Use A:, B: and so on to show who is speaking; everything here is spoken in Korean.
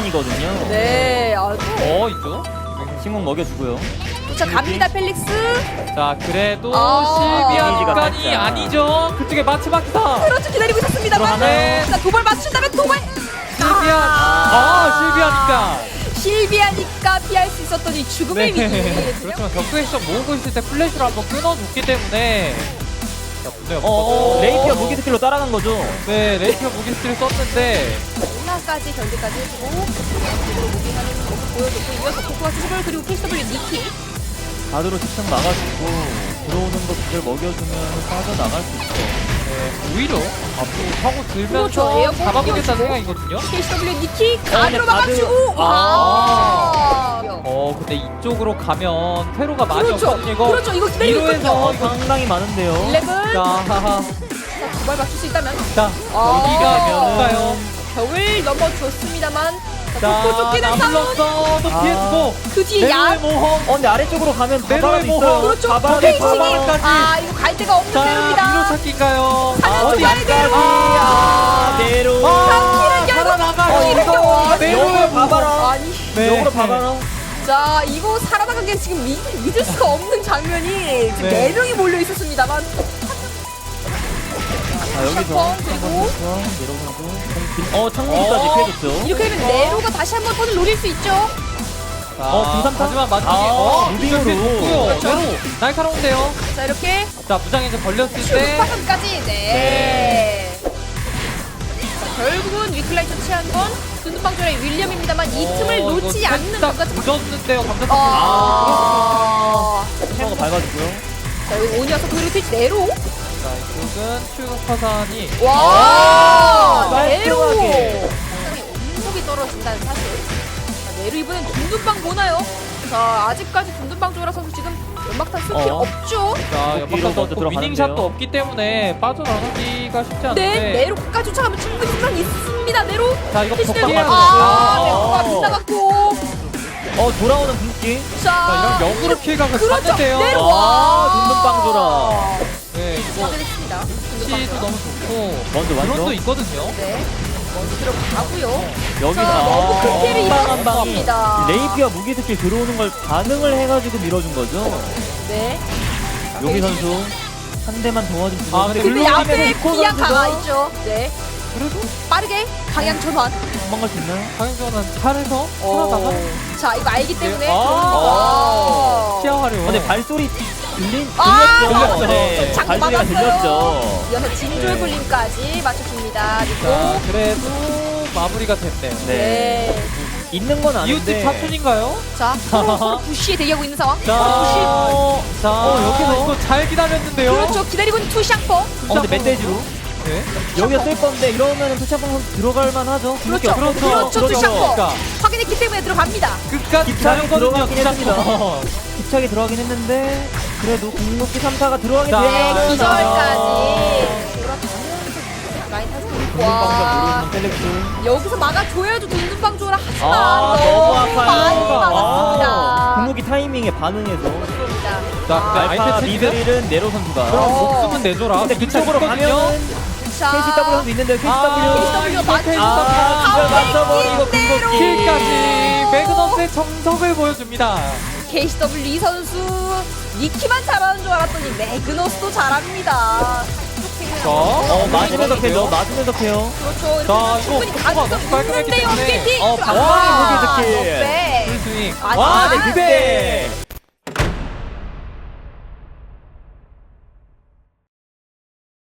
A: 시간이거든요.
B: 네, 아주.
C: 있죠?
A: 신공 먹여주고요.
B: 자, 갑니다, 펠릭스.
C: 자, 그래도
A: 이미지가
C: 실비아니까니
A: 살짝.
C: 아니죠. 그쪽에 마츠마키다.
B: 그렇죠, 기다리고 있었습니다만.
C: 네.
B: 자, 도발 맞춘다면 도발.
C: 실비아니까.
B: 실비아니까 피할 수 있었더니 죽음의 위기.
C: 그렇지만 격투 액션 모으고 있을 때 플래시를 한번 끊어줬기 때문에. 자, 분명
A: 레이피어 무기 스킬로 따라간 거죠.
C: 네, 레이피어 무기 스킬을 썼는데.
B: 마지막까지 견제까지 해주고 제대로 무빙하는 모습 보여줬고 이어서 코코아 수습을 그리고 KW 니키.
A: 가드로 직접 막아주고 들어오는 거 그걸 먹여주면 빠져나갈 수 있죠.
C: 네, 오히려 앞으로 타고
B: 그렇죠,
C: 들면서
B: 에어본
C: 잡아보겠다는
B: 띄워주고.
C: 생각이거든요.
B: KW 니키 가드로
A: 가드.
B: 막아주고.
C: 근데 이쪽으로 가면 테로가 많이
B: 그렇죠.
C: 없거든요. 이거
B: 그렇죠. 이거 기다리고
C: 위로에서
B: 있거든요.
C: 이거
A: 상당히 많은데요.
B: 11.
C: 자, 하하.
B: 두발 맞출 수 있다면.
C: 자,
B: 아.
C: 여기가
A: 그러면은-
C: 뭔가요?
B: 벽을 넘어줬습니다만.
C: 자,
B: 자, 쫓기는 싸움.
C: 불렀어. 또 피해주고.
B: 그 뒤에
C: 네로의
B: 야.
C: 모험.
A: 근데 아래쪽으로 가면
C: 네로의
A: 바바라도
C: 모험.
A: 있어요.
B: 그렇죠.
A: 바바라도
B: 페이징이.
C: 바바라까지.
B: 이거 갈 데가 없는
C: 자,
B: 대로입니다.
C: 위로 찾기인가요?
B: 사냥
C: 어디?
B: 좀 가야 돼요.
A: 네로.
B: 키를 열고
C: 살아나가요.
B: 키를 열고.
C: 네로의
A: 바바라.
B: 아니.
C: 네.
A: 역으로 바바라.
B: 자, 이거 살아나간 게 지금 믿을 수가 없는 장면이 지금
C: 네.
B: 4명이 몰려 있었습니다만.
A: 자, 여기서
B: 슈퍼, 그리고
A: 내려오고 창문까지 피해줬죠.
B: 이렇게 되면 네로가 다시 한번 턴을 노릴 수 있죠.
C: 자,
A: 중삼타?
C: 하지만 마지막에
A: 무빙으로.
C: 그렇죠. 네로 날카로운데요.
B: 자, 이렇게
C: 자, 무장에 이제 걸렸을 때.
B: 슈퍼까지. 네. 자, 결국은 위클라이 처치한 건 눈두방조의 윌리엄입니다만 이 틈을 놓지 않는 것 같은.
C: 늦었는데요. 감자
A: 거 밟아주고요.
B: 자, 여기 오니어서 그리고 트위치 네로.
C: 자, 이쪽은 추격 화산이.
B: 와, 네로.
A: 깔끔하게.
B: 상당히 온목이 떨어진다는 사실. 자, 네로 이번엔 둔둔방 보나요? 자, 아직까지 둔둔방 조라 선수 지금 연막탄 쓸 필요 없죠?
C: 자,
A: 뒤로
C: 연막탄도
A: 먼저
C: 없고
A: 들어가는데요.
C: 위닝샷도 없기 때문에 빠져나가기가 쉽지 않은데.
B: 네, 네로 끝까지 쫓아가면 충분히 승산이 있습니다, 네로.
C: 자, 이거
B: 캐시
C: 벽
B: 네로.
C: 맞았어요.
B: 네로가 빗나갔고.
A: 돌아오는 분기.
B: 자,
C: 이런 역으로 킬각을
B: 그렇죠.
C: 샀는데요.
B: 네로.
A: 눈눈빵 줘라.
C: 네, 이거
B: 확인했습니다.
C: 치도 너무 좋고.
A: 먼저
C: 드론도
A: 완성.
C: 있거든요.
B: 네. 먼저 들어가고요.
A: 여기서
B: 자, 너무 큰 피해를
A: 한
B: 입었습니다.
A: 방이 레이피와 무기 스킬 들어오는 걸 반응을 해가지고 밀어준 거죠.
B: 네.
A: 여기 선수 한 대만 도와주면
C: 아, 근데
B: 근데
C: 글로
B: 앞에
C: 가면
A: 이코
B: 그냥
A: 선수가
B: 강화 있죠. 네.
C: 그래도
B: 빠르게 방향 전환.
A: 도망갈 수 있나요?
C: 강행전은 팔에서 살아나가
B: 자, 이거 알기 때문에.
C: 네. 아. 시야 활용.
A: 근데 발소리 들렸죠?
B: 아,
A: 네,
B: 장
A: 발소리가
B: 맞았어요.
A: 들렸죠.
B: 이어서 진조의 굴림까지 맞춰줍니다.
C: 자,
B: 그리고
C: 그래도 마무리가 됐네요.
A: 네. 있는 건
C: 이웃집
A: 아닌데.
C: 사촌인가요?
B: 자, 서로 부시에 대기하고 있는 상황.
C: 자, 여기서 이거 잘 기다렸는데요.
B: 그렇죠. 기다리고 있는 투샹퍼.
A: 근데 멧돼지로
C: 네.
A: 여기가 쓸 건데 이러면 투샷방 선수 들어갈 만하죠.
B: 그렇죠.
C: 그렇죠.
B: 그렇죠. 투샹퍼.
C: 그러니까.
B: 확인했기 때문에 들어갑니다.
C: 끝까지
A: 기차에
C: 기다렸거든요.
A: 들어가긴 했습니다.
C: 투샷퍼.
A: 기차에 들어가긴 했는데 그래도 궁극기 3타가 들어가긴
C: 자,
B: 네,
A: 됐어요.
B: 기절까지. 돌아가면서 라인 타서 와.
A: 모르는 펠렉스.
B: 여기서 막아줘야죠. 돈눈빵 줘라. 하지만
A: 너무 아파요.
B: 많이 막았습니다.
A: 궁극기 타이밍에 반응해서
B: 그렇습니다.
C: 자, 근데
A: 알파
C: 아이템 체크.
A: 미드릴은 네로 선수가.
C: 그럼
B: 어.
C: 목숨은 내줘라.
A: 근데 그쪽으로 가면은
B: 자,
A: KCW 선수 있는데 KCW.
B: KCW 맞죠?
A: 이걸 맞춰버리고
B: 킥대로.
A: 궁극기.
C: 킬까지 매그넘스의 정석을 보여줍니다.
B: KCW 이 선수 니키만 잘하는 줄 알았더니 매그너스도 잘합니다.
A: 맞으면서 캐죠. 맞으면서 캐요.
B: 그렇죠.
C: 자,
B: 이렇게 충분히
C: 이거
B: 가능성
C: 너무 깔끔했기
B: 있는데요.
C: 때문에.
B: 게이팅.
A: 방망이 무기 스킬.
B: 네.
C: 풀스윙.
B: 아,
A: 와,
B: 네.
A: 네, 그대.